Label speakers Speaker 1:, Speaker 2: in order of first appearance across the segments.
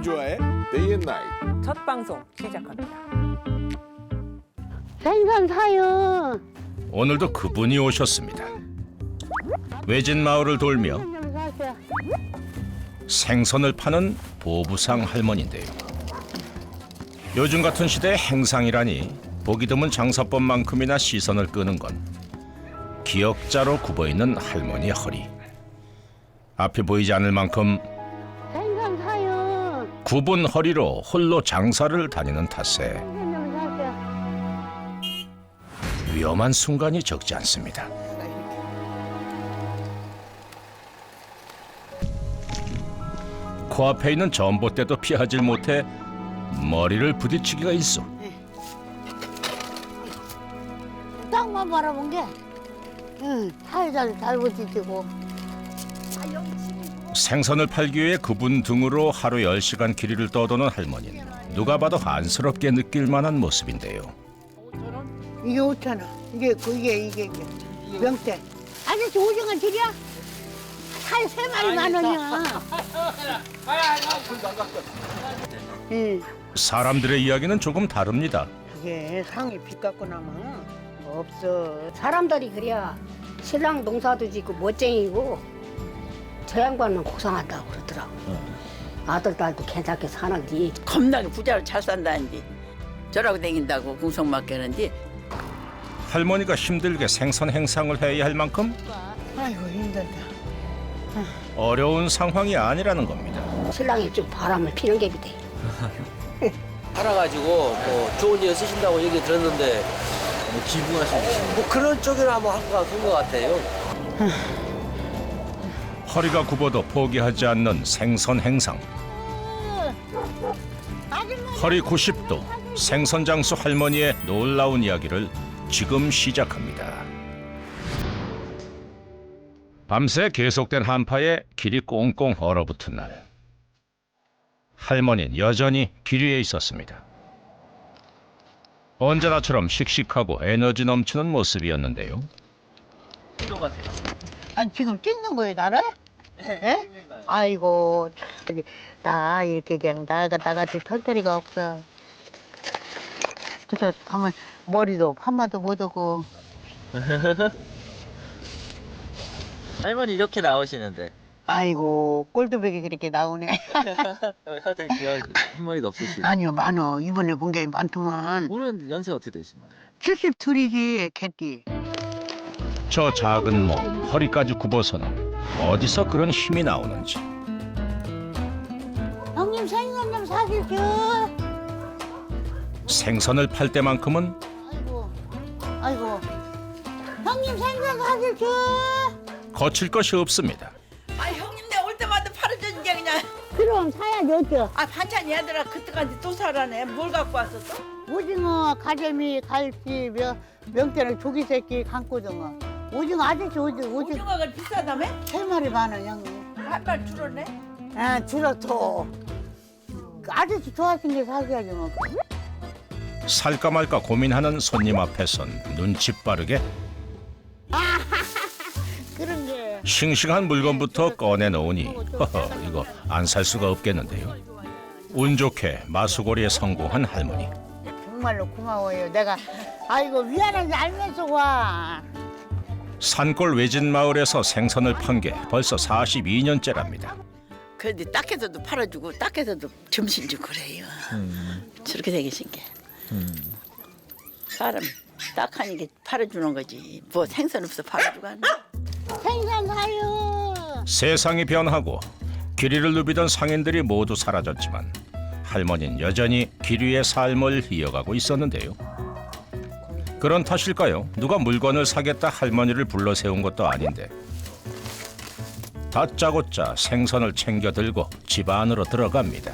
Speaker 1: 김주아의 Day and Night.
Speaker 2: 첫 방송 시작합니다.
Speaker 3: 생선 사요.
Speaker 4: 오늘도 그분이 오셨습니다. 외진 마을을 돌며
Speaker 3: 좀 사세요.
Speaker 4: 생선을 파는 보부상 할머니인데요. 요즘 같은 시대에 행상이라니 보기 드문 장사법만큼이나 시선을 끄는 건 기역자로 굽어있는 할머니의 허리. 앞이 보이지 않을 만큼
Speaker 3: 생선 사요.
Speaker 4: 굽은 허리로 홀로 장사를 다니는 탓에
Speaker 3: 생선 좀 사세요.
Speaker 4: 위험한 순간이 적지 않습니다. 코앞에 있는 전봇대도 피하지 못해 머리를 부딪히기가 있어.
Speaker 3: 땅만 바라본 게, 살살 잘 부딪히고.
Speaker 4: 생선을 팔기 위해 그분 등으로 하루 10시간 길이를 떠도는 할머니는 누가 봐도 안쓰럽게 느낄 만한 모습인데요.
Speaker 3: 이게 5,000원. 이게 명태. 아저씨 오징어 드려? 살 3마리 10,000원이야. 응.
Speaker 4: 사람들의 이야기는 조금 다릅니다.
Speaker 3: 그게 상이 빚 갖고 나면 없어.
Speaker 5: 사람들이 그래야 신랑 농사도 짓고 멋쟁이고 저 양반은 고상하다고 그러더라고. 아들 딸도 괜찮게 사는지.
Speaker 6: 겁나게 부자로 잘 산다는데 저라고 댕긴다고 궁성 맡기는데
Speaker 4: 할머니가 힘들게 생선 행상을 해야 할 만큼
Speaker 3: 아이고 힘들다.
Speaker 4: 어려운 상황이 아니라는 겁니다.
Speaker 5: 신랑이 좀 바람을 피는 게 비대.
Speaker 7: 팔아가지고 뭐 좋은 일 쓰신다고 얘기 들었는데 뭐 기부하시는 뭐 그런 쪽으로 한번 한것 같아요.
Speaker 4: 허리가 굽어도 포기하지 않는 생선 행상. 허리 90도 생선 장수 할머니의 놀라운 이야기를 지금 시작합니다. 밤새 계속된 한파에 길이 꽁꽁 얼어붙은 날, 할머니는 여전히 길 위에 있었습니다. 언제나처럼 씩씩하고 에너지 넘치는 모습이었는데요.
Speaker 3: 아니 지금 찍는 거예요 나를? 예? 아이고 나 이렇게 그냥 나같이 털터리가 없어. 그래서 가면 머리도 파마도 못하고.
Speaker 7: 할머니 이렇게 나오시는데
Speaker 3: 아이고 꼴도백이 그렇게 나오네.
Speaker 7: 하여튼 흰머리도 없으시고
Speaker 3: 아니요 많어. 이번에 본 게 많더만.
Speaker 7: 올해는 연세 어떻게 되시나요?
Speaker 3: 72이지 개띠.
Speaker 4: 저 작은 몸, 허리까지 굽어서는 어디서 그런 힘이 나오는지.
Speaker 3: 형님 생선 좀 사주죠.
Speaker 4: 생선을 팔 때만큼은
Speaker 3: 아이고 형님 생선 사주죠.
Speaker 4: 거칠 것이 없습니다.
Speaker 6: 아 형님 내가 올 때마다 팔아주는 게 그냥
Speaker 3: 그럼 사야죠 어쩌.
Speaker 6: 아 반찬 얘들아 그때까지 또 사라네 뭘 갖고 왔었어?
Speaker 3: 오징어, 가재미, 갈치, 명태는 조기새끼, 강고등어. 오징어 아저씨 오징어
Speaker 6: 오징어가 비싸다며?
Speaker 3: 3마리 10,000원 형님.
Speaker 6: 한발 줄었네?
Speaker 3: 아 줄었어. 아저씨 좋아하시는 게 사셔야지 뭐.
Speaker 4: 살까 말까 고민하는 손님 앞에선 눈치 빠르게
Speaker 3: 그런 게.
Speaker 4: 싱싱한 물건부터 꺼내놓으니 허허, 이거 안 살 수가 없겠는데요. 운 좋게 마수거리에 성공한 할머니.
Speaker 3: 정말로 고마워요. 내가 아이고 미안한지 알면서 와.
Speaker 4: 산골 외진 마을에서 생선을 판 게 벌써 42년째랍니다.
Speaker 6: 근데 딱해서도 팔아주고 딱해서도 점심 주고 그래요 저렇게 생기신 게 사람 딱하니까 팔아주는 거지 뭐 생선 없어 팔아주고 하나?
Speaker 3: 생선 사요.
Speaker 4: 세상이 변하고 길이를 누비던 상인들이 모두 사라졌지만 할머니는 여전히 길 위의 삶을 이어가고 있었는데요. 그런 탓일까요? 누가 물건을 사겠다 할머니를 불러 세운 것도 아닌데 다짜고짜 생선을 챙겨 들고 집 안으로 들어갑니다.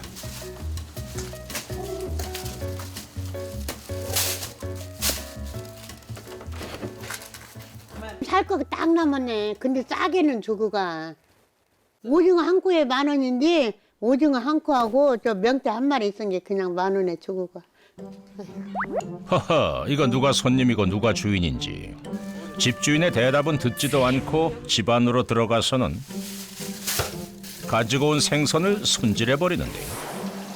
Speaker 3: 살 거 딱 남았네. 근데 싸게는 주고 가. 오징어 한 코에 10,000원인데 오징어 한 코하고 저 명태 한 마리 있은 게 그냥 10,000원에 주고 가.
Speaker 4: 허허, 이거 누가 손님이고 누가 주인인지 집주인의 대답은 듣지도 않고 집 안으로 들어가서는 가지고 온 생선을 손질해 버리는데요.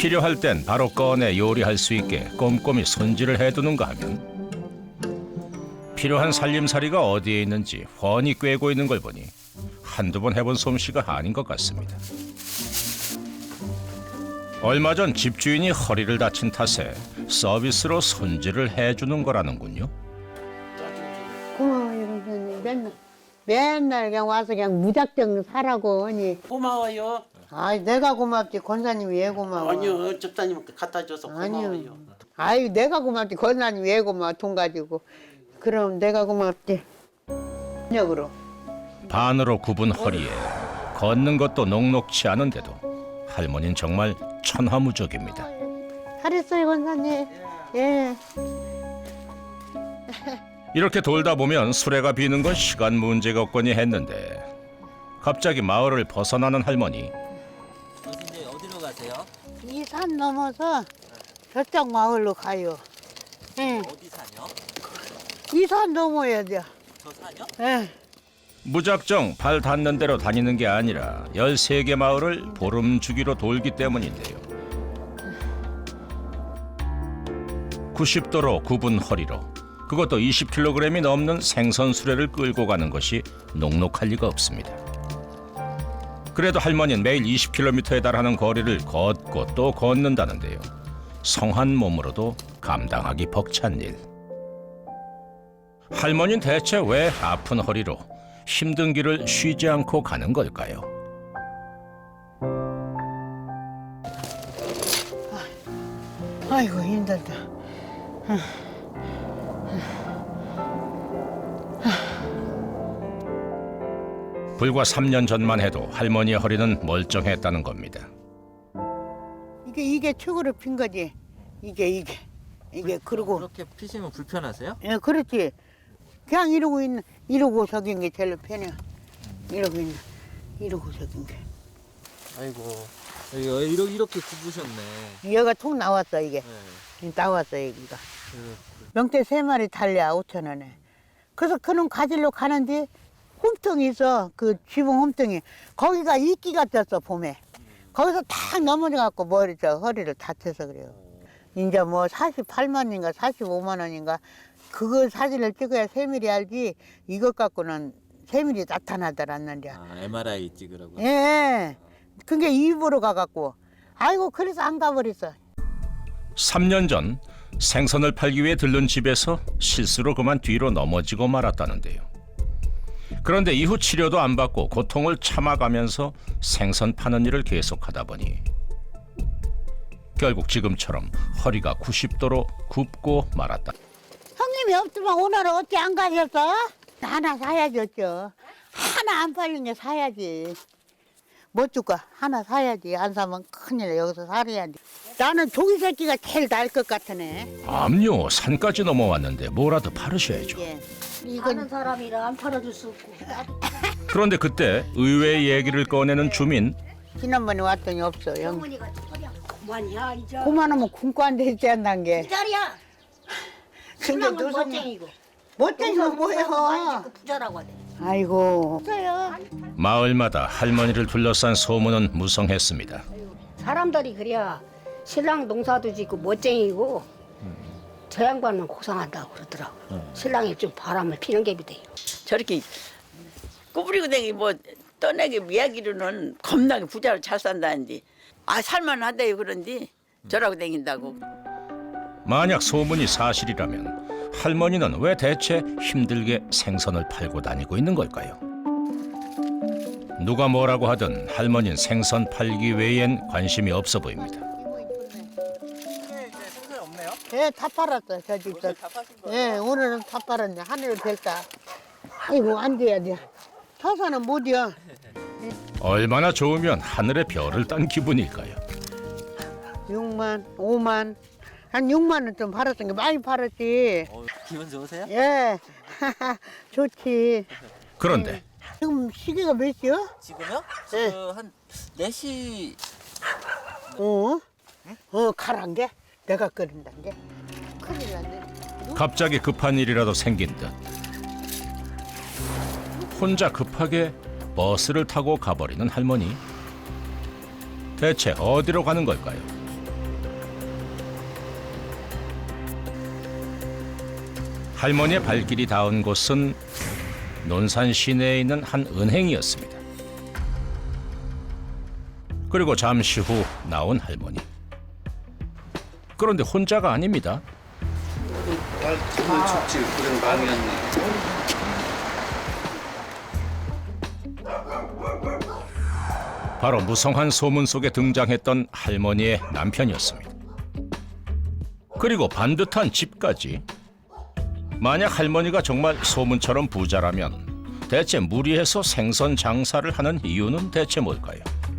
Speaker 4: 필요할 땐 바로 꺼내 요리할 수 있게 꼼꼼히 손질을 해두는가 하면 필요한 살림살이가 어디에 있는지 훤히 꿰고 있는 걸 보니 한두 번 해본 솜씨가 아닌 것 같습니다. 얼마 전 집주인이 허리를 다친 탓에 서비스로 손질을 해주는 거라는군요.
Speaker 3: 고마워요, 선생님. 맨날 그냥 와서 그냥 무작정 사라고 하니.
Speaker 2: 고마워요.
Speaker 3: 아이, 내가 고맙지. 권사님이 왜 고마워?
Speaker 2: 아니요, 집사님한테 갖다 줘서 고마워요.
Speaker 3: 아니요. 아이, 내가 고맙지. 권사님 왜 고마워? 돈 가지고. 그럼 내가 고맙지. 역으로.
Speaker 4: 반으로 굽은 허리에 걷는 것도 녹록치 않은데도 할머니는 정말 천하무적입니다.
Speaker 3: 잘했어요, 권사님. 예.
Speaker 4: 이렇게 돌다 보면 수레가 비는 건 시간 문제가 없거니 했는데 갑자기 마을을 벗어나는 할머니.
Speaker 7: 선생님 어디로 가세요?
Speaker 3: 이 산 넘어서 저쪽 마을로 가요. 예.
Speaker 7: 어디 사요?
Speaker 3: 이 산 넘어야 돼요.
Speaker 7: 저 사요?
Speaker 3: 예.
Speaker 4: 무작정 발 닿는 대로 다니는 게 아니라 13개 마을을 보름 주기로 돌기 때문인데요. 90도로 굽은 허리로 그것도 20kg이 넘는 생선 수레를 끌고 가는 것이 녹록할 리가 없습니다. 그래도 할머니는 매일 20km에 달하는 거리를 걷고 또 걷는다는데요. 성한 몸으로도 감당하기 벅찬 일. 할머니는 대체 왜 아픈 허리로 힘든 길을 쉬지 않고 가는 걸까요?
Speaker 3: 아이고, 힘들다.
Speaker 4: 불과 3년 전만 해도 할머니의 허리는 멀쩡했다는 겁니다.
Speaker 3: 이게 축으로 핀 거지. 이게 그러고.
Speaker 7: 그렇게 피시면 불편하세요?
Speaker 3: 예, 그렇지. 그냥 이러고 저긴 게 제일 편해. 이러고 저긴 게.
Speaker 7: 아이고 이렇게 굽으셨네.
Speaker 3: 얘가 통 나왔어, 이게. 나왔어, 여기가. 명태 3마리 달려 5,000원에. 그래서 그놈 가지러 가는데 홈통이 있어. 그 지붕 홈통이. 거기가 이끼가 떴어, 봄에. 거기서 탁 넘어져갖고 허리를 다쳐서 그래요. 이제 뭐 48만인가 45만 원인가 그거 사진을 찍어야 세밀히 알지 이것 갖고는 세밀히 나타나더란는데.
Speaker 7: MRI 찍으라고.
Speaker 3: 예. 그게 입으로 가갖고 아이고 그래서 안 가버렸어.
Speaker 4: 3년 전 생선을 팔기 위해 들른 집에서 실수로 그만 뒤로 넘어지고 말았다는데요. 그런데 이후 치료도 안 받고 고통을 참아가면서 생선 파는 일을 계속하다 보니 결국 지금처럼 허리가 90도로 굽고 말았다.
Speaker 3: 형님이 없으면 오늘은 어찌 안 가셨어? 하나 사야지 어쩌. 하나 안 팔린 게 사야지. 못 줄까? 하나 사야지. 안 사면 큰일 여기서 살아야지. 나는 조기 새끼가 제일 나을 것 같으네.
Speaker 4: 암요, 산까지 넘어왔는데 뭐라도 팔으셔야죠.
Speaker 3: 예.
Speaker 5: 아는
Speaker 3: 이건
Speaker 5: 사람이라 안 팔아줄 수 없고.
Speaker 4: 그런데 그때 의외의 얘기를 꺼내는 주민.
Speaker 3: 지난번에 왔더니 없어. 형.
Speaker 5: 어머니가 소리야 그만이야 이제.
Speaker 3: 그만하면 굶고 앉아있지 않는 게.
Speaker 5: 이 자리야.
Speaker 3: 근데
Speaker 5: 신랑은
Speaker 3: 노선이
Speaker 5: 멋쟁이고.
Speaker 3: 멋쟁이가 뭐예요?
Speaker 5: 그 부자라고 하네.
Speaker 3: 아이고. 없어요.
Speaker 4: 마을마다 할머니를 둘러싼 소문은 무성했습니다.
Speaker 5: 사람들이 그래야 신랑 농사도 짓고 멋쟁이고 저 양반은 고상하다고 그러더라고. 신랑이 좀 바람을 피는 게 비대요.
Speaker 6: 저렇게 꾸부리고 댕기 뭐 떠내기 이야기로는 겁나게 부자로 잘 산다는데 살만하대요 그런데 저라고 댕긴다고.
Speaker 4: 만약 소문이 사실이라면 할머니는 왜 대체 힘들게 생선을 팔고 다니고 있는 걸까요? 누가 뭐라고 하든 할머니는 생선 팔기 외엔 관심이 없어 보입니다.
Speaker 3: 예, 다 팔았어. 저 집도. 예, 오늘은 다 팔았네. 하늘을 뵐까. 아이고, 안 돼야 돼. 서서는 못이야.
Speaker 4: 얼마나 좋으면 하늘의 별을 딴 기분일까요?
Speaker 3: 6만, 5만. 한 6만 원 좀 팔았던 게 많이 팔았지.
Speaker 7: 기분 좋으세요?
Speaker 3: 예. 좋지.
Speaker 4: 그런데
Speaker 3: 지금 시계가 몇 시야?
Speaker 7: 지금요?
Speaker 3: 네.
Speaker 7: 지금 한 4시.
Speaker 3: 가란 게? 내가 끓인단 게? 큰일 났네.
Speaker 4: 갑자기 급한 일이라도 생긴 듯 혼자 급하게 버스를 타고 가버리는 할머니. 대체 어디로 가는 걸까요? 할머니의 발길이 닿은 곳은 논산 시내에 있는 한 은행이었습니다. 그리고 잠시 후 나온 할머니. 그런데 혼자가 아닙니다. 바로 무성한 소문 속에 등장했던 할머니의 남편이었습니다. 그리고 반듯한 집까지. 만약 할머니가 정말 소문처럼 부자라면 대체 무리해서 생선 장사를 하는 이유는 대체 뭘까요?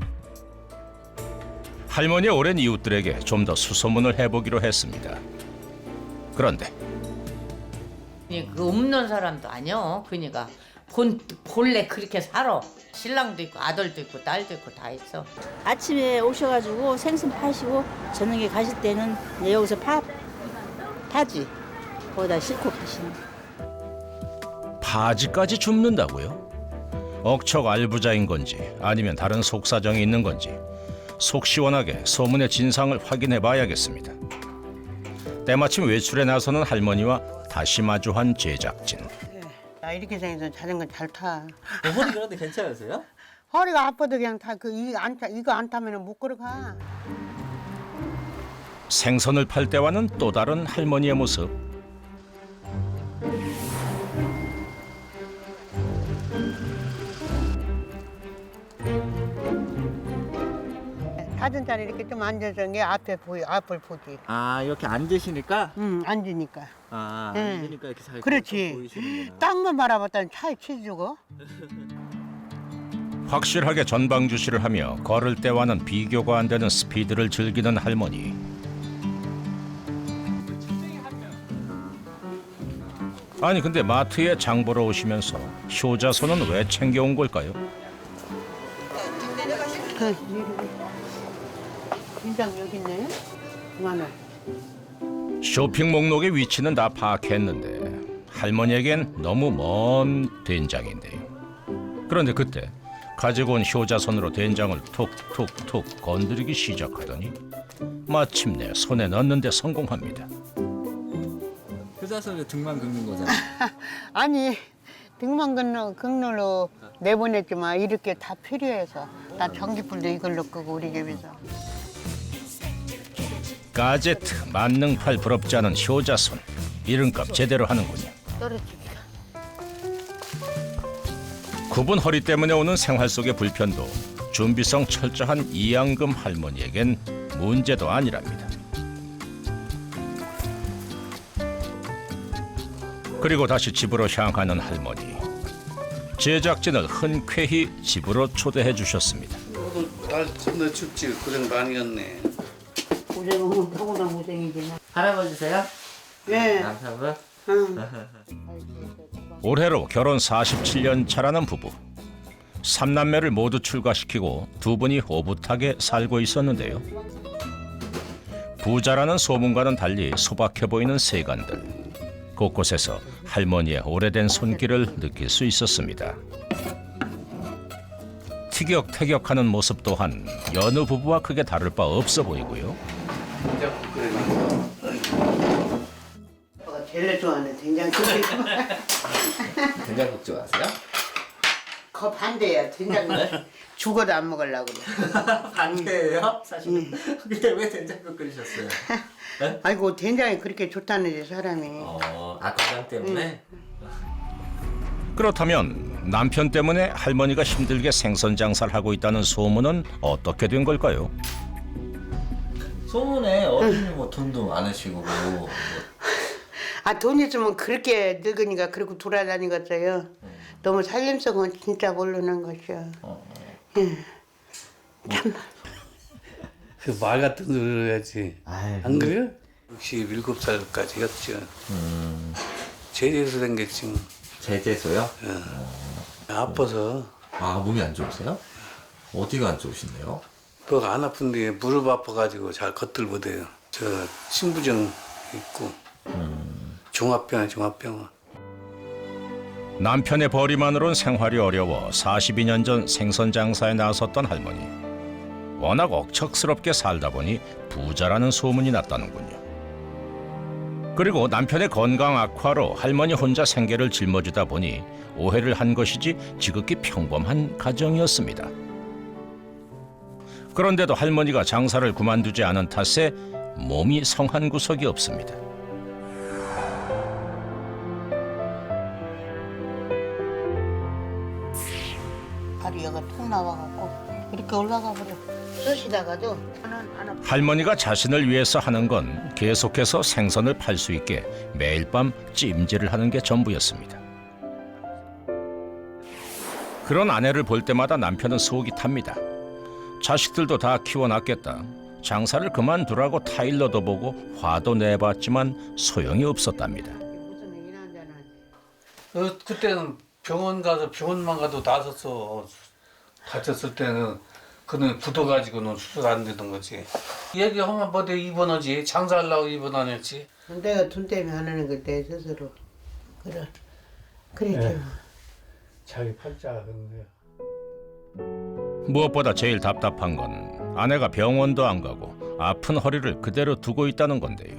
Speaker 4: 할머니의 오랜 이웃들에게 좀 더 수소문을 해보기로 했습니다. 그런데
Speaker 8: 그 없는 사람도 아니요. 그니까 본래 그렇게 살아. 신랑도 있고 아들도 있고 딸도 있고 다 있어.
Speaker 9: 아침에 오셔가지고 생선 파시고 저녁에 가실 때는 이제 여기서 파지 거기다 싣고 가시는.
Speaker 4: 파지까지 줍는다고요? 억척 알부자인 건지 아니면 다른 속사정이 있는 건지 속 시원하게 소문의 진상을 확인해 봐야겠습니다. 때마침 외출에 나서는 할머니와 다시 마주한 제작진.
Speaker 3: 나 이렇게 생겨서 자전거 잘 타.
Speaker 7: 어머니 그런데 괜찮으세요?
Speaker 3: 허리가 아파도 그냥 타. 이거 안 타면 못 걸어가.
Speaker 4: 생선을 팔 때와는 또 다른 할머니의 모습.
Speaker 3: 자전자리 이렇게 좀 앉아서 게 앞에 앞을 보지.
Speaker 7: 아 이렇게 앉으시니까?
Speaker 3: 앉으니까.
Speaker 7: 아
Speaker 3: 응.
Speaker 7: 앉으니까 이렇게 잘
Speaker 3: 그렇지.
Speaker 7: 보이시는구나.
Speaker 3: 땅만 바라봤더니 차에 치주고.
Speaker 4: 확실하게 전방주시를 하며 걸을 때와는 비교가 안 되는 스피드를 즐기는 할머니. 아니 근데 마트에 장 보러 오시면서 효자손은 왜 챙겨온 걸까요?
Speaker 3: 된장 여기 있네. 그만해.
Speaker 4: 쇼핑 목록의 위치는 다 파악했는데 할머니에겐 너무 먼 된장인데요. 그런데 그때 가지고 온 효자손으로 된장을 툭툭툭 건드리기 시작하더니 마침내 손에 넣는 데 성공합니다.
Speaker 7: 효자손에 등만 긁는 거잖아.
Speaker 3: 아니 등만 긁는 내보냈지만 이렇게 다 필요해서 나 전기불도 이걸로 끄고 우리 집에서.
Speaker 4: 가제트 만능팔 부럽지 않은 효자손. 이름값 제대로 하는군요.
Speaker 3: 떨어지기가.
Speaker 4: 굽은 허리 때문에 오는 생활 속의 불편도 준비성 철저한 이양금 할머니에겐 문제도 아니랍니다. 그리고 다시 집으로 향하는 할머니. 제작진을 흔쾌히 집으로 초대해 주셨습니다.
Speaker 10: 날 겁나 춥지. 고생 많이 했네.
Speaker 3: 고생은 하고나 고생이지.
Speaker 7: 할아버지세요?
Speaker 3: 예.
Speaker 7: 남편분?
Speaker 4: 올해로 결혼 47년 차라는 부부. 3남매를 모두 출가시키고 두 분이 오붓하게 살고 있었는데요. 부자라는 소문과는 달리 소박해 보이는 세간들. 곳곳에서 할머니의 오래된 손길을 느낄 수 있었습니다. 티격태격하는 모습 또한 여느 부부와 크게 다를 바 없어 보이고요.
Speaker 3: 오빠가 제일 좋아하는 된장국이.
Speaker 7: 된장국 좋아하세요?
Speaker 3: 그 반대야. 된장국 죽어도 안 먹으려고 그래.
Speaker 7: 반대예요? 사실. 근데 왜 된장국 끓이셨어요?
Speaker 3: 아이고 된장이 그렇게 좋다는데 사람이.
Speaker 7: 건강 때문에?
Speaker 4: 그렇다면 남편 때문에 할머니가 힘들게 생선 장사를 하고 있다는 소문은 어떻게 된 걸까요?
Speaker 7: 소문에 어른이 뭐 돈도 많으시고 뭐.
Speaker 3: 아 돈 있으면 그렇게 늙으니까 그러고 돌아다니겠어요. 너무 살림성은 진짜 모르는 것이야.
Speaker 10: 그 말 같은 소리를 해야지.
Speaker 7: 아이,
Speaker 10: 안 그래요? 67살까지 했죠. 제대로 생겼지. 뭐.
Speaker 7: 제재소요?
Speaker 10: 아파서
Speaker 7: 아 몸이 안 좋으세요? 어디가 안 좋으신데요?
Speaker 10: 뭐 안 아픈데 무릎 아파가지고 잘 걷들 못해요. 저 신부증 있고 종합병원.
Speaker 4: 남편의 벌이만으론 생활이 어려워 42년 전 생선 장사에 나섰던 할머니. 워낙 억척스럽게 살다 보니 부자라는 소문이 났다는군요. 그리고 남편의 건강 악화로 할머니 혼자 생계를 짊어지다 보니 오해를 한 것이지 지극히 평범한 가정이었습니다. 그런데도 할머니가 장사를 그만두지 않은 탓에 몸이 성한 구석이 없습니다.
Speaker 3: 발이 여가 툭 나와갖고 이렇게 올라가 버려. 쑤시다가도 저는 안 아파.
Speaker 4: 할머니가 자신을 위해서 하는 건 계속해서 생선을 팔 수 있게 매일 밤 찜질을 하는 게 전부였습니다. 그런 아내를 볼 때마다 남편은 속이 탑니다. 자식들도 다 키워놨겠다. 장사를 그만두라고 타일러도 보고 화도 내봤지만 소용이 없었답니다.
Speaker 3: 무슨 얘기나 한다는.
Speaker 10: 그때는 병원만 가도 나섰어. 다쳤을 때는 그는 굳어가지고는 수술 안 되던 거지. 얘기하면 뭐대 입원하지. 장사하려고 입원하겠지.
Speaker 3: 내가 돈 때문에 하는 걸 내 스스로. 그래.
Speaker 10: 자기 팔자가 그런 거야.
Speaker 4: 무엇보다 제일 답답한 건 아내가 병원도 안 가고 아픈 허리를 그대로 두고 있다는 건데요.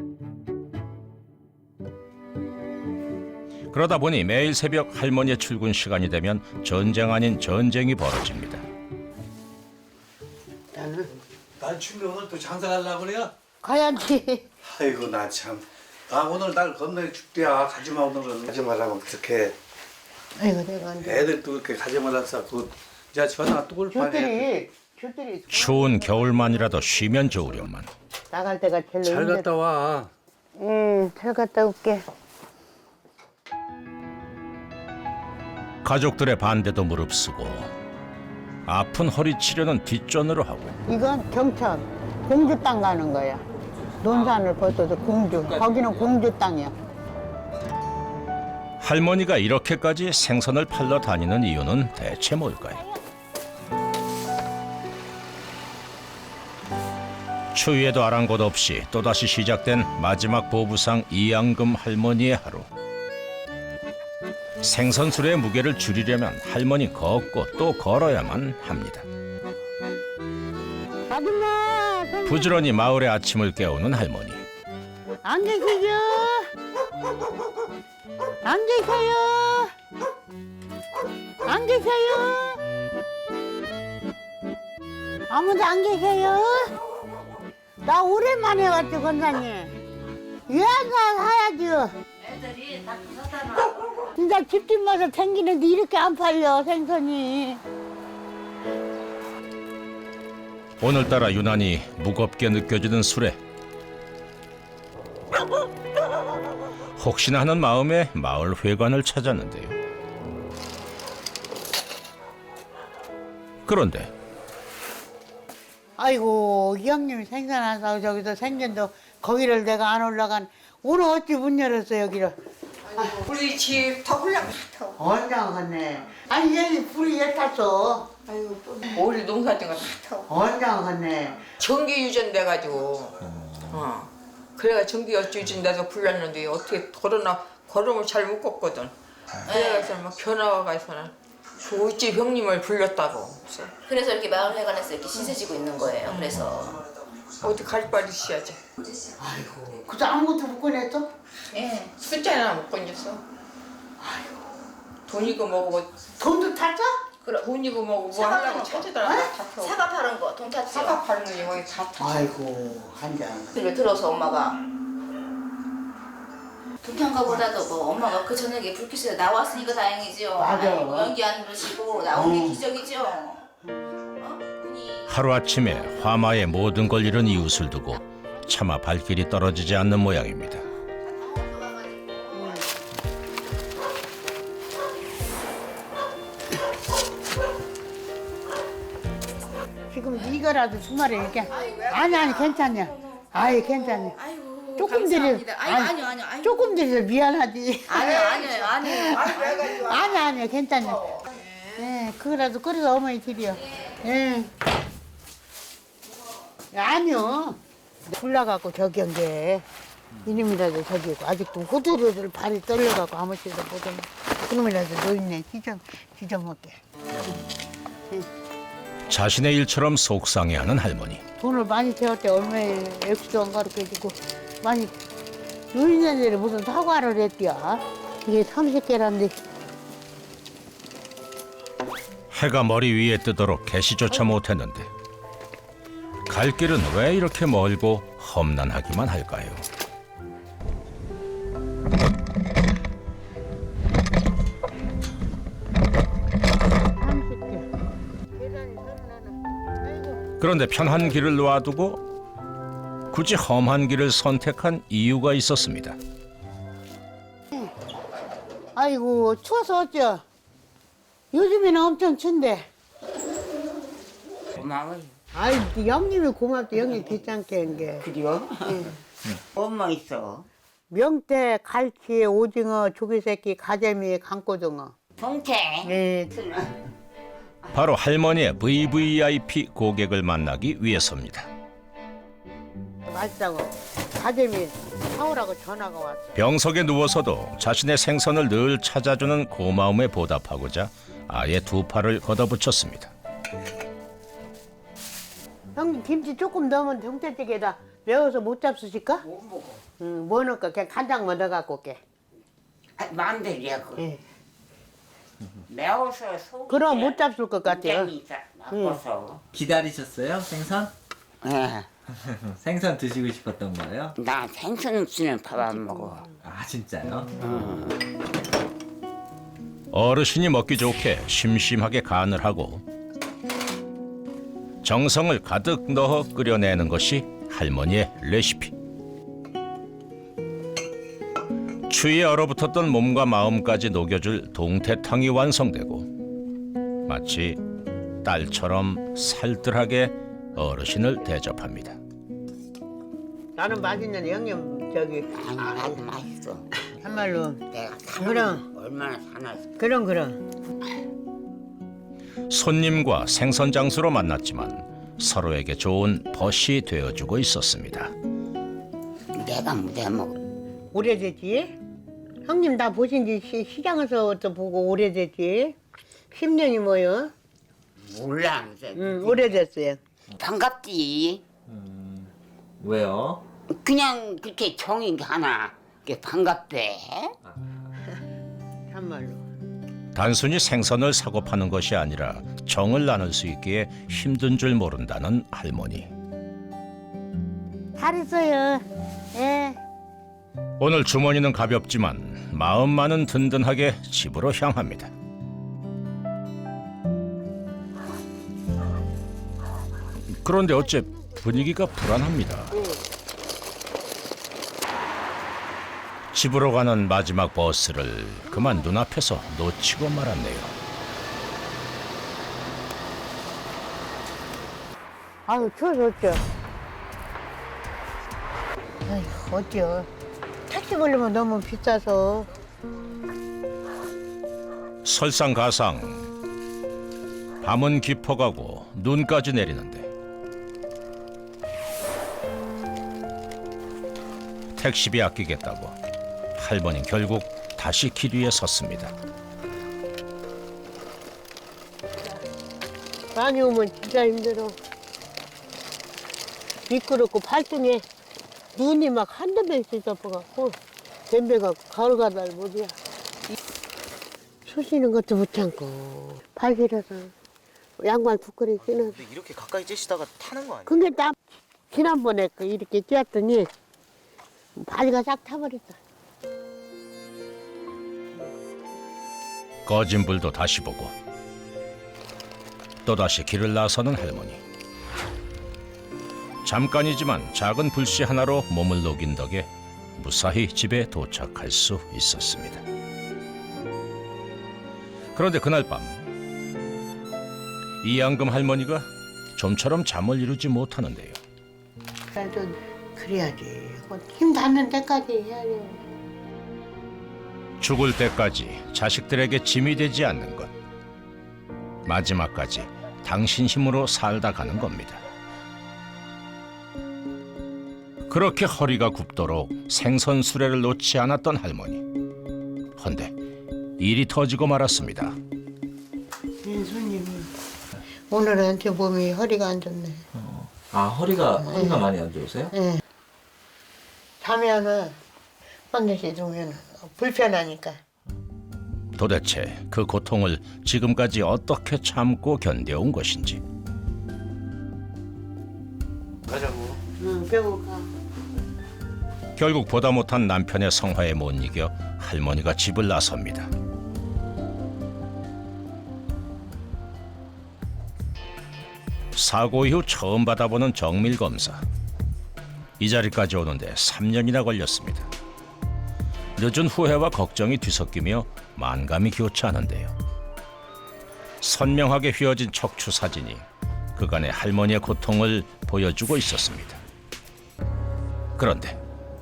Speaker 4: 그러다 보니 매일 새벽 할머니의 출근 시간이 되면 전쟁 아닌 전쟁이 벌어집니다.
Speaker 10: 난 춘미 오늘 또 장사하려고 그래요?
Speaker 3: 가야지.
Speaker 10: 아이고 나 참. 아 오늘 날 겁나게 춥대야. 가지마 오늘은. 가지 말라고 그렇게.
Speaker 3: 아이고 내가 안 돼.
Speaker 10: 애들 또 그렇게 가지 말라서 그 이제 전화 또 올 판에.
Speaker 3: 줄들이
Speaker 4: 추운 겨울만이라도 쉬면 좋으련만.
Speaker 3: 나갈 때가 제일
Speaker 10: 잘
Speaker 3: 힘들어.
Speaker 10: 갔다 와.
Speaker 3: 잘 갔다 올게.
Speaker 4: 가족들의 반대도 무릅쓰고 아픈 허리 치료는 뒷전으로 하고
Speaker 3: 이건 경천 공주 땅 가는 거야. 논산을 벗어서 공주. 거기는 공주 땅이야.
Speaker 4: 할머니가 이렇게까지 생선을 팔러 다니는 이유는 대체 뭘까요? 추위에도 아랑곳 없이 또다시 시작된 마지막 보부상 이양금 할머니의 하루. 생선술의 무게를 줄이려면 할머니 걷고 또 걸어야만 합니다.
Speaker 3: 아줌마,
Speaker 4: 부지런히 마을의 아침을 깨우는 할머니.
Speaker 3: 안 계세요? 안 계세요? 안 계세요? 아무도 안 계세요? 나 오랜만에 왔지, 권사님. 예가 사야죠.
Speaker 5: 애들이 다 부사잖아.
Speaker 3: 진짜 집집마다 생기는데 이렇게 안 팔려, 생선이.
Speaker 4: 오늘따라 유난히 무겁게 느껴지는 수레. 혹시나 하는 마음에 마을 회관을 찾았는데요. 그런데
Speaker 3: 아이고, 이 형님이 생선 안 사고 저기서 생전도 거기를 내가 안 올라간. 오늘 어찌 문 열었어, 여기를.
Speaker 6: 우리 집 더 훌륭 같아.
Speaker 3: 언제 갔네. 아니, 얘 불이 왜 탔어?
Speaker 6: 우리 농사진 거다
Speaker 3: 언제 갔네.
Speaker 6: 전기 유전돼가지고 그래가 전기 유전돼서 불렀는데 어떻게 걸음을 잘 못 걷거든. 그래서 막 변화가 있어는 그 우집 형님을 불렀다고.
Speaker 11: 그래서 이렇게 마을회관에서 이렇게 신세지고 있는 거예요. 그래서
Speaker 6: 어디 갈 바를 있어야지.
Speaker 3: 아이고, 그저 아무것도 못 꺼냈어?
Speaker 6: 예, 숫자나 못 건졌어. 돈이고 뭐고
Speaker 3: 돈도 탔어?
Speaker 6: 돈이고 뭐고 뭐
Speaker 11: 사과
Speaker 6: 하려고
Speaker 11: 파는 거.
Speaker 6: 찾으더라고. 다 타고.
Speaker 11: 사과 파는 거, 돈 탔지요.
Speaker 6: 사과 파는 거 이거 다 타.
Speaker 3: 아이고, 한 잔.
Speaker 11: 그걸 들어서 엄마가 불편가보다도 뭐 엄마가 그 저녁에 불빛에 나왔으니까 다행이죠.
Speaker 3: 맞아.
Speaker 11: 아이고, 연기 안 누르시고 나온 게 기적이죠. 분이
Speaker 4: 하루아침에 화마에 모든 걸 잃은 이웃을 두고 차마 발길이 떨어지지 않는 모양입니다.
Speaker 3: 지금 이거라도 주말에 이렇게. 아니, 괜찮냐. 아이, 괜찮냐.
Speaker 11: 아이고
Speaker 3: 조금
Speaker 11: 감사합니다.
Speaker 3: 드려.
Speaker 11: 아니요.
Speaker 3: 조금 드려서 미안하지.
Speaker 11: 아니요.
Speaker 3: 아니, 괜찮냐. 예, 그거라도 끓여서 어머니 드려. 예. 아니요. 불나갖고 저기 한 게. 이놈이라도 저기고 아직도 호두를 발이 떨려갖고 아무 데도 못 오네. 그놈이라도 노인네 찢어먹게.
Speaker 4: 자신의 일처럼 속상해하는 할머니.
Speaker 3: 돈을 많이 태웠대. 얼마에 액수도 안 가르쳐주고 많이 유인년들이 무슨 사과를 했디야. 이게 30개란데.
Speaker 4: 해가 머리 위에 뜨도록 개시조차 못했는데 갈 길은 왜 이렇게 멀고 험난하기만 할까요? 그런데 편한 길을 놔두고 굳이 험한 길을 선택한 이유가 있었습니다.
Speaker 3: 아이고 추워서 어쩌. 요즘에는 엄청 춘데.
Speaker 11: 고마워요.
Speaker 3: 아이 형님이 고맙다. 형님 귀찮게 한 게.
Speaker 11: 그래요? 뭐뭐 있어?
Speaker 3: 명태, 갈치, 오징어, 조개새끼, 가재미, 강고등어.
Speaker 11: 동태.
Speaker 3: 네.
Speaker 4: 바로 할머니의 VVIP 고객을 만나기 위해서입니다.
Speaker 3: 맛있다고 가재미 사오라고 전화가 왔어.
Speaker 4: 병석에 누워서도 자신의 생선을 늘 찾아주는 고마움에 보답하고자 아예 두 팔을 걷어붙였습니다.
Speaker 3: 형님 김치 조금 넣으면 동태찌개에다 매워서 못 잡수실까?
Speaker 11: 못 먹어.
Speaker 3: 응, 뭐 넣을까? 그냥 간장만 넣어갖고 올게.
Speaker 11: 마음대로야 그.
Speaker 3: 예.
Speaker 11: 매워서 속.
Speaker 3: 그럼 못 잡술 것 같아요.
Speaker 11: 나빠서.
Speaker 7: 기다리셨어요? 생선?
Speaker 11: 예.
Speaker 7: 생선 드시고 싶었던 거예요?
Speaker 11: 나 생선 없이는 밥 안 먹어.
Speaker 7: 아 진짜요?
Speaker 4: 어르신이 먹기 좋게 심심하게 간을 하고 정성을 가득 넣어 끓여내는 것이 할머니의 레시피. 추위에 얼어붙었던 몸과 마음까지 녹여줄 동태탕이 완성되고 마치 딸처럼 살뜰하게 어르신을 대접합니다.
Speaker 3: 나는 맛있는 형님 저기
Speaker 11: 아니 나도 맛있어.
Speaker 3: 참말로.
Speaker 11: 내가
Speaker 3: 그럼.
Speaker 11: 사는 얼마나 사놨어.
Speaker 3: 그럼.
Speaker 4: 손님과 생선 장수로 만났지만 서로에게 좋은 벗이 되어주고 있었습니다.
Speaker 11: 내가 못 먹어.
Speaker 3: 오래됐지? 형님 나 보신 지 시장에서부터 보고 오래됐지? 10년이 뭐요?
Speaker 11: 몰라.
Speaker 3: 오래됐어요.
Speaker 11: 반갑지.
Speaker 7: 왜요?
Speaker 11: 그냥 그렇게 정이 하나. 그게 반갑대.
Speaker 3: 참말로.
Speaker 4: 단순히 생선을 사고 파는 것이 아니라 정을 나눌 수 있기에 힘든 줄 모른다는 할머니.
Speaker 3: 잘했어요. 예.
Speaker 4: 오늘 주머니는 가볍지만 마음만은 든든하게 집으로 향합니다. 그런데 어째 분위기가 불안합니다. 집으로 가는 마지막 버스를 그만 눈앞에서 놓치고 말았네요.
Speaker 3: 아유 추워서 어쩌. 아휴 어쩌. 택시 걸리면 너무 비싸서.
Speaker 4: 설상가상 밤은 깊어가고 눈까지 내리는데 택시비 아끼겠다고 할머니는 결국 다시 길 위에 섰습니다.
Speaker 3: 많이 오면 진짜 힘들어. 미끄럽고 발등에 눈이 막 한두 배씩 덮어갖고 댐배가 가을가달 못이야. 쑤시는 것도 못 참고 발길어서 양말 부끄러기 신어서.
Speaker 12: 근데 이렇게 가까이 쬐시다가 타는 거 아니에요?
Speaker 3: 근데 나 지난번에 이렇게 뛰었더니 발가 싹 타버렸다.
Speaker 4: 꺼진 불도 다시 보고 또다시 길을 나서는 할머니. 잠깐이지만 작은 불씨 하나로 몸을 녹인 덕에 무사히 집에 도착할 수 있었습니다. 그런데 그날 밤 이양금 할머니가 좀처럼 잠을 이루지 못하는데요.
Speaker 3: 그래도 그래야지. 힘 닿는 데까지 해야 돼.
Speaker 4: 죽을 때까지 자식들에게 짐이 되지 않는 것. 마지막까지 당신 힘으로 살다 가는 겁니다. 그렇게 허리가 굽도록 생선 수레를 놓지 않았던 할머니. 헌데 일이 터지고 말았습니다.
Speaker 3: 손님이 오늘은 제 몸이 허리가 안 좋네.
Speaker 7: 아 허리가 많이 안 좋으세요?
Speaker 3: 네. 자면은 한 개씩 주면 불편하니까.
Speaker 4: 도대체 그 고통을 지금까지 어떻게 참고 견뎌온 것인지.
Speaker 10: 가자고.
Speaker 3: 응, 병원 가.
Speaker 4: 결국 보다 못한 남편의 성화에 못 이겨 할머니가 집을 나섭니다. 사고 이후 처음 받아보는 정밀 검사. 이 자리까지 오는데 3년이나 걸렸습니다. 늦은 후회와 걱정이 뒤섞이며 만감이 교차하는데요. 선명하게 휘어진 척추 사진이 그간의 할머니의 고통을 보여주고 있었습니다. 그런데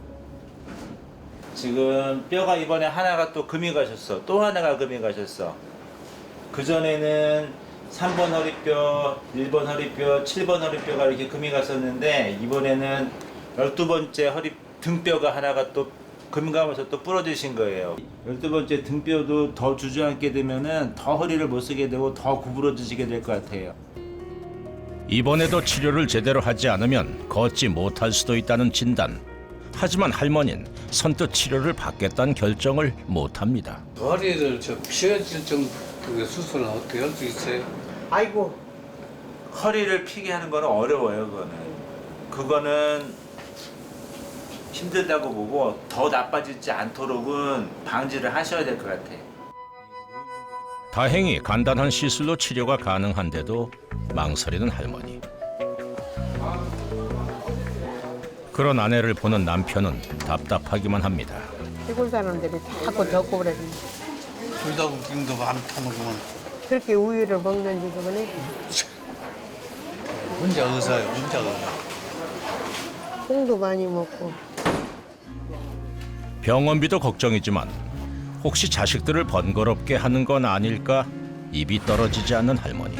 Speaker 13: 지금 뼈가 이번에 하나가 또 금이 가셨어. 또 하나가 금이 가셨어. 그전에는 3번 허리뼈, 1번 허리뼈, 7번 허리뼈가 이렇게 금이 갔었는데 이번에는 12번째 등뼈가 하나가 또 금 가면서 또 부러지신 거예요. 12번째 등뼈도 더 주저앉게 되면은 더 허리를 못 쓰게 되고 더 구부러지시게 될 것 같아요.
Speaker 4: 이번에도 치료를 제대로 하지 않으면 걷지 못할 수도 있다는 진단. 하지만 할머니는 선뜻 치료를 받겠다는 결정을 못합니다.
Speaker 10: 허리를 피어질 정도의 수술은 어떻게 할 수 있어요?
Speaker 3: 아이고.
Speaker 13: 허리를 피게 하는 거는 어려워요. 그거는 힘들다고 보고 더 나빠지지 않도록은 방지를 하셔야 될 것 같아요.
Speaker 4: 다행히 간단한 시술로 치료가 가능한데도 망설이는 할머니. 그런 아내를 보는 남편은 답답하기만 합니다.
Speaker 3: 시골 사람들이 자꾸 덮고 그래.
Speaker 10: 불닭국김도 많다는구만.
Speaker 3: 그렇게 우유를 먹는지 그러네.
Speaker 10: 혼자 의사예요, 혼자 의사.
Speaker 3: 콩도 많이 먹고.
Speaker 4: 병원비도 걱정이지만 혹시 자식들을 번거롭게 하는 건 아닐까 입이 떨어지지 않는 할머니.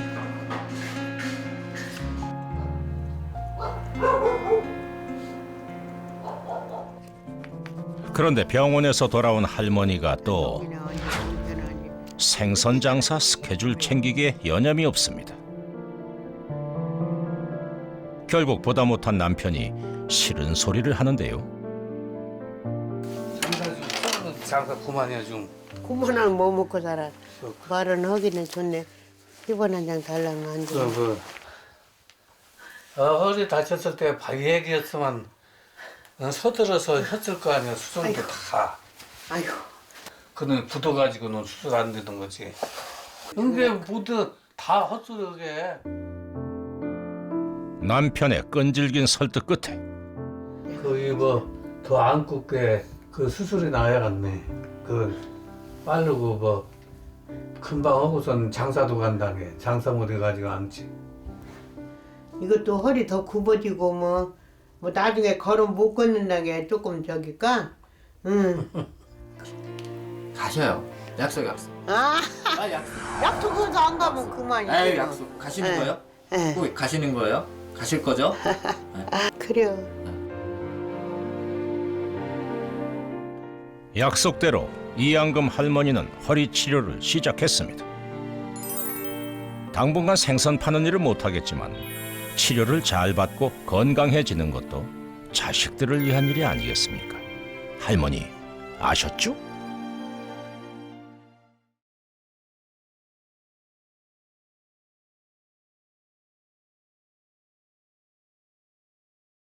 Speaker 4: 그런데 병원에서 돌아온 할머니가 또 생선 장사 스케줄 챙기기에 여념이 없습니다. 결국 보다 못한 남편이 싫은 소리를 하는데요.
Speaker 10: 장사 그만이야 좀.
Speaker 3: 그만하면 뭐 먹고 살아. 말은 하기는 좋네. 10원 한 장 달라면 안 돼.
Speaker 10: 허리 다쳤을 때 얘기했으면 서둘러서 했을 거 아니야. 수술도 다.
Speaker 3: 아이고.
Speaker 10: 그는 굳어가지고는 수술 안 되는 거지. 근데 모두 다 헛소리하게.
Speaker 4: 남편의 끈질긴 설득 끝에
Speaker 10: 거기 더 안 굽게 그 수술이 나야겠네. 빠르고 금방 하고선 장사도 간다네. 장사 못 해가지고 앉지.
Speaker 3: 이것도 허리 더 굽어지고 뭐 나중에 걸음 못 걷는다는 게 조금 저기까.
Speaker 14: 가셔요. 약속.
Speaker 3: 아,
Speaker 14: 빨리 약속.
Speaker 3: 약속해서 안 가면 그만이지.
Speaker 14: 아유, 약속. 가시는 거예요? 꼭 가시는 거예요? 가실 거죠?
Speaker 3: 그래요.
Speaker 4: 약속대로 이양금 할머니는 허리 치료를 시작했습니다. 당분간 생선 파는 일을 못하겠지만 치료를 잘 받고 건강해지는 것도 자식들을 위한 일이 아니겠습니까? 할머니 아셨죠?